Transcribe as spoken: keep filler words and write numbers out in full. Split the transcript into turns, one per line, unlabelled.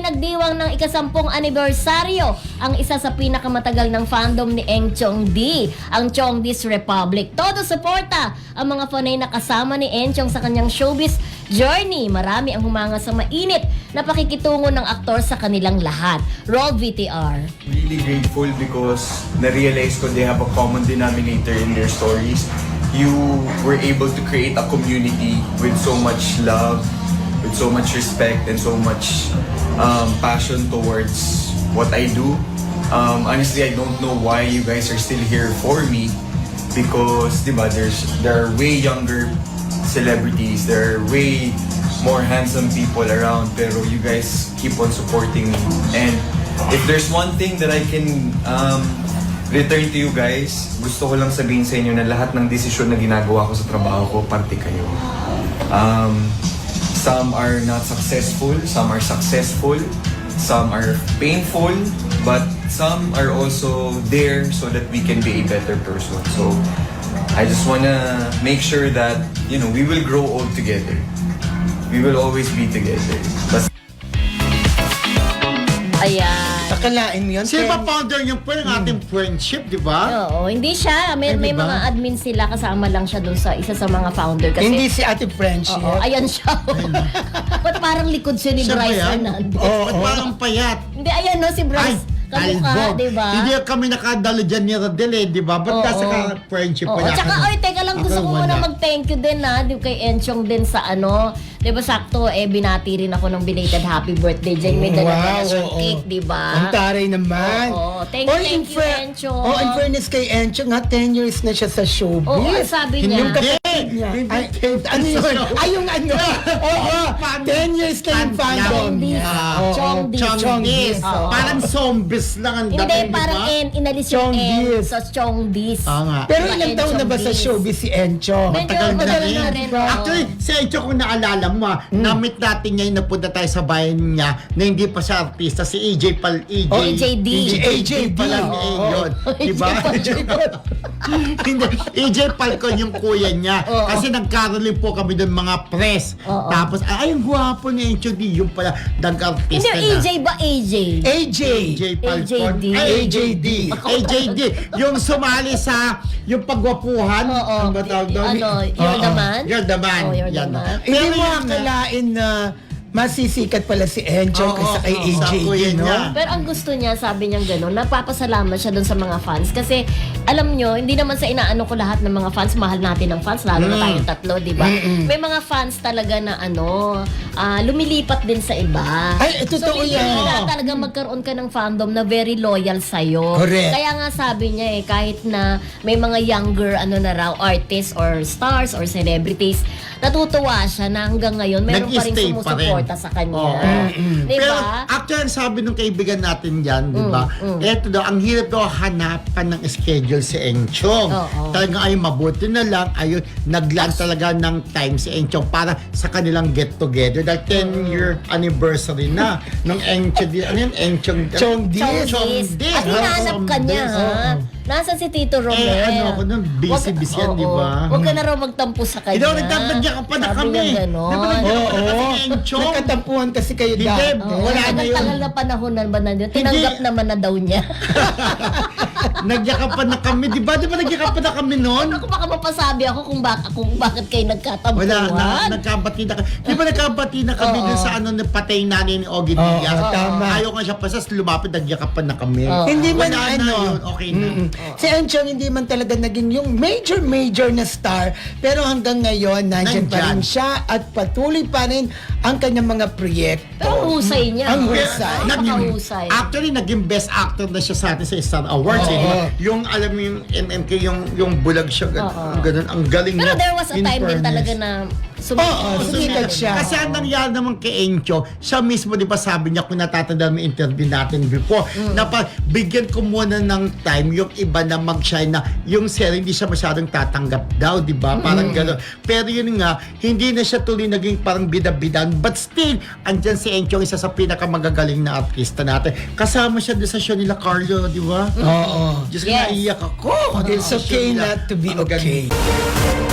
nagdiwang ng ikasampung anibersaryo ang isa sa pinakamatagal ng fandom ni Eng Chongdi, ang Chongdi's Republic. Todo suporta ang mga fanay na kasama ni Eng Chong sa kanyang showbiz journey. Marami ang humanga sa mainit na pakikitungo ng aktor sa kanilang lahat. Roll V T R.
Really grateful because na-realize ko they have a common denominator in their stories. You were able to create a community with so much love, with so much respect, and so much um, passion towards what I do. Um, honestly, I don't know why you guys are still here for me because, diba, there's there are way younger celebrities, there are way more handsome people around, pero you guys keep on supporting me. And if there's one thing that I can um, return to you guys, gusto ko lang sabihin sa inyo na lahat ng desisyon na ginagawa ko sa trabaho ko, parte kayo. Um, some are not successful, some are successful, some are painful, but some are also there so that we can be a better person. So, I just wanna make sure that, you know, we will grow old together. We will always be together. Basta
Ayan.
Akalain mo yun?
Sino ba
Ken?
founder yung po ng ating friendship, di ba?
Oo, hindi siya. May,
Ay,
may
diba?
mga admin sila, kasama lang siya dun sa isa sa mga founder. Kasi,
Hindi si Ate Friendship.
Oo, ayan siya. Ba't parang likod siya ni
Siya ba
Bryce
yan?
Hernandez?
Oo.
Ba't parang payat?
Hindi, ayan no, si Bryce. Kamukha,
albog.
di ba?
Hindi kami nakadalo dyan ni Rodel eh, di ba? Ba't
Oo.
nasa ka friendship
Oo,
wala
tsaka,
ka?
oy, teka lang, gusto ko
Ako,
muna
wala.
mag-thank you din na, di kay Enchong din sa ano, di ba sakto, eh, binati rin ako ng belated happy birthday dyan, may dala
Wow,
na siyang
oo.
cake, di ba?
Ang taray naman.
Oo, thank
Or
you,
in
thank you,
fair-
Enchong.
Oh, in fairness kay Enchong, ha, ten years na siya sa showbiz.
Oo, ang sabi niya.
Yung kapatid niya.
Hindi,
Ay, ano yun? Ay, yung ano? Oo, ten years kayong fandom
Chongdis.
niya.
Oo, Chongdis.
Chongdis.
Oo.
Parang zombies lang ang
Hindi,
dating, di
parang
ba?
N, inalis yung N,
Chongdis.
so Chongdis.
Oo nga.
Pero
Diba,
ilang taon na ba sa
Enchong
showbiz si Enchong?
Medyo
Matagal na
matagal
rin.
na rin, oo.
Actually, si Encho, kung naalala mo, ah,
Hmm.
na-meet natin niya yung napunta tayo sa bayan niya na hindi pa siya artista, si A J Pal, A J.
Oh, A J D.
A J pala
Oo.
eh, yun. Diba?
A J Pal.
Hindi, A J Falcon yung kuya niya.
Oo.
Kasi nagkaroon po kami doon mga press.
Oo.
Tapos, ay, ang gwapo ni Encho D. Yung pala,
Hindi,
nag-artista
A
na.
J ba A J?
A J.
A J Falcon.
A J D.
Ay, A J D. A J D. Yung sumali sa, yung pagwapuhan.
Oo.
Ano ba tawag doon?
Ano, You're the
Oo.
Man?
You're the Man.
Oh, You're the
Yan.
Man.
Hindi
Pero
mo
yun nga,
akalain na masisikat pala si Enchong
Oo,
kaysa kay
oo,
A J
sa kuya
D, no?
niya.
Pero ang gusto niya, sabi niya gano'n, napapasalamat siya doon sa mga fans. Kasi, alam nyo, hindi naman sa inaano ko lahat ng mga fans, mahal natin ang fans, lalo na tayong tatlo, di ba? May mga fans talaga na ano, ah, lumilipat din sa iba.
Ay, eh, totoo
so,
yan.
kailangan talaga magkaroon ka ng fandom na very loyal sa'yo.
Correct.
Kaya nga sabi niya eh, kahit na may mga younger ano na raw, artists or stars or celebrities, natutuwa siya na hanggang ngayon meron pa rin
Nag-stay pa rin.
sumusuporta sa kanya.
Oo.
Di
Pero
ba?
actually, sabi nung kaibigan natin yan, di ba? Eto daw, ang hirap daw hanapan ng schedule si Enchong.
Oo.
Talagang ay mabuti na lang, ayun, naglaan talaga ng time si Enchong para sa kanilang get-together. Dahil ten-year anniversary na ng Enchong. Ano yun? Enchong.
Chongdis.
Chongdis. At hinahanap ka niya, ha? Nasaan si Tito Romel?
Eh, ano ako nun, busy-busy yan,
Wag-
di ba?
oo. Huwag ka na raw magtampo sa kanya.
Hindi ako nagtatadya ka pa na
Sabi
kami.
niya ganon.
Di ba nagtatadya ka pa na
Oo.
kami, Enchong?
Nagkatampuhan kasi kayo
Hindi,
dati.
Oo,
wala na yun.
tagal na panahon na ba na yun? Tinanggap
Hindi.
naman na daw niya.
Nagyakapan na kami, di ba? Di ba nagyakapan na kami noon?
Ako baka mapasabi ako kung, bak kung bakit kayo nagkatampuhan.
Wala, na, nagkabati na kami. Di ba nagkabati na kami
Oo.
dun sa ano, napatay nanay ni Ogie
Oo,
Diaz?
tama.
Ayaw nga siya pasas, lumapit, nagyakapan na kami.
Oo.
Hindi man
Wala na
ano,
yun, okay na.
Mm-mm. Si Enchong hindi man talaga naging yung major major na star, pero hanggang ngayon nandiyan pa rin
Nandyan.
siya at patuloy pa rin ang kanyang mga proyekto.
Pero ang husay niya.
Ang
no?
husay.
Napakahusay.
Actually, naging best actor na siya sa atin sa Star Awards.
Oo.
Eh, di ba? Yung, alam mo yung M M K, yung, yung bulag siya, ganun,
Oo.
ang ganun, ang galing
Pero
niya.
there was a
in
time din
fairness.
talaga na sumikat.
Oo, sumikat siya.
Kasi ang nangyari naman kay Encho, siya mismo, di ba sabi niya, kung natatandaan mo yung interview natin before,
Mm.
na pa, bigyan ko muna ng time yung iba na mag-shine na yung series hindi siya masyadong tatanggap daw, di ba? Parang gano'n. Pero yun nga, hindi na siya tuloy naging parang bida-bidan. But still, andyan si Encho, isa sa pinakamagagaling na artista natin. Kasama siya doon sa show nila Carlo, di ba?
Oo.
Diyos ko,
Yes.
naiyak ako.
It's okay not to be
Ang ganda.
okay.